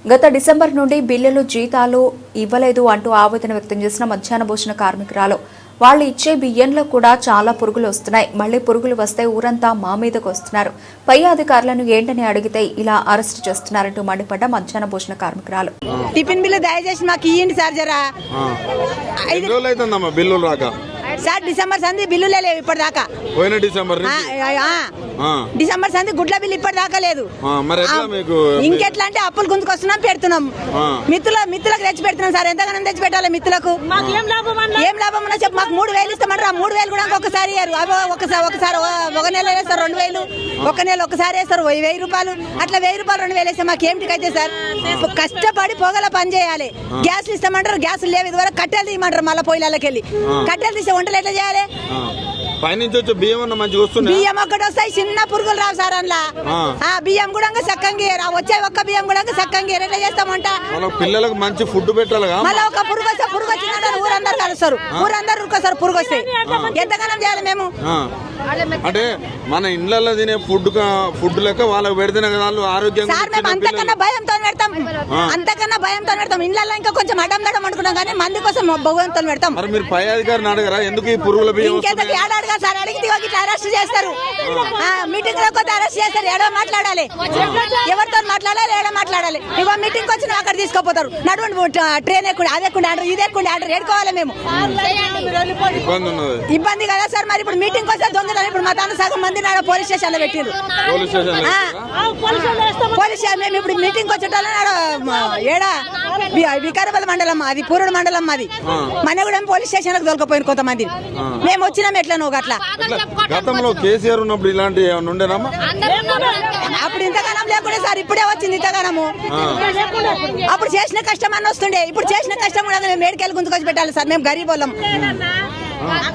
గత డిసెంబర్ నుండి బిల్లులు జీతాలు ఇవ్వలేదు అంటూ ఆవేదన వ్యక్తం చేసిన మధ్యాహ్న భోజన కార్మికురాలు వాళ్ళు ఇచ్చే బియ్యంలో కూడా చాలా పురుగులు వస్తున్నాయి. మళ్లీ పురుగులు వస్తే ఊరంతా మా మీదకు వస్తున్నారు. పై అధికారులను ఏంటని అడిగితే ఇలా అరెస్ట్ చేస్తున్నారంటూ మండిపడ్డ మధ్యాహ్న భోజన కార్మికురాలు. టిఫిన్ బిల్లు దయచేసి మాకు ఇవ్వండి సార్. జరా బిల్లులు రాక సార్ డిసెంబర్ సంది బిల్లులే లేవు ఇప్పటిదాకా. డిసెంబర్ సంది గుడ్ల బిల్లు ఇప్పటిదాకా లేదు. ఇంకెట్లా అంటే అప్పులు గుంజుకొస్తున్నాం పెడుతున్నాం. మిత్తులకు తెచ్చి పెడుతున్నాం సార్. ఎంతగానో తెచ్చి పెట్టాలి మిత్తులకు. ఏం లాభం ఉన్నా చెప్పు. మాకు 3,000 ఇస్తామంటారు. 3,000 కూడా ఒకసారి ఒకసారి ఒక నెల వేస్తారు 2,000, ఒక నెల ఒకసారి వేస్తారు 1,000 రూపాయలు. అట్లా 1,000 రూపాయలు 2,000 వేస్తే మాకేమిటికైతే సార్. కష్టపడి పొగల పని చేయాలి. గ్యాస్లు ఇస్తామంటారు. గ్యాసులు లేవు. ఇదివరకు కట్టెలు తీయమంటారు. మళ్ళీ పొయ్యిలకి వెళ్ళి కట్టెలు తీసే వంటలు ఎట్లా చేయాలి? బియ్యం ఒక్కటి వస్తాయి. చిన్న పురుగులు రావు సార్. అందులో బియ్యం కూడా సక్కంగా వచ్చే ఒక్క బియ్యం కూడా సక్కంగా ఎట్లా చేస్తామంట. పిల్లలకు మంచి ఫుడ్ పెట్టాలి. మళ్ళీ ఒక పురుగు వస్తే పురుగు వచ్చిన ఊరందరూ కలుస్తారు. ఊరందరూ ఉరుకొస్తారు. పురుగు వస్తే ఎంతగానం చేయాలి మేము? అంటే మన ఇళ్లలో తినే ఫుడ్ లెక్క వాళ్ళకి పెడితేనే కదా వాళ్ళు ఆరోగ్యంగా. సార్ మేము అంతకన్నా భయంతో పెడతాం. అంతకన్నా భయంతో పెడతాం. ఇళ్లలో ఇంకా కొంచెం అడ్డం దడం అనుకున్నాం కానీ మంది కోసం భగవంతో పెడతాం. మరి మీరు పై అధికారిని అడగరా ఎందుకు ఈ పురుగుల బియ్యం? సార్ అడిగితే ఇట్లా అరెస్ట్ చేస్తారు. మీటింగ్ లో కొత్త అరెస్ట్ చేస్తారు. ఏడో మాట్లాడాలి. ఎవరితో మాట్లాడాలి? ఏడో మాట్లాడాలి. ఇగో మీటింగ్ వచ్చిన అక్కడ తీసుకోపోతారు. నడువండి ట్రైన్ ఎక్కుండి అది ఎక్కుండి ఆర్డర్ ఇది ఎక్కుండి ఆర్డర్ ఏడుకోవాలి మేము. ఇబ్బంది కదా సార్. మరి ఇప్పుడు మీటింగ్ వస్తే దొంగ. ఇప్పుడు మా తాను సగం మంది నాడు పోలీస్ స్టేషన్ లో పెట్టిండ్రు. పోలీస్ మేము ఇప్పుడు మీటింగ్ వచ్చేటోళ్ళ ఏడా వికారాబాద్ మండలం అది పూర్వ మండలం మాది. మనగూడెం పోలీస్ స్టేషన్ లకు దొరకపోయింది కొంతమంది. మేము వచ్చినాం ఎట్లా గట్లా. గతంలో కేసీఆర్ ఉన్నప్పుడు ఇలాంటి ఏమైనా ఉండేనమ్మా? అప్పుడు ఇంతగానం లేకుండా సార్. ఇప్పుడే వచ్చింది ఇంతగానము. అప్పుడు చేసిన కష్టం అని వస్తుండే. ఇప్పుడు చేసిన కష్టం కూడా మేము మేడికెళ్ళి గుంతుకొచ్చి పెట్టాలి సార్. మేము గరీబ్ వాళ్ళం.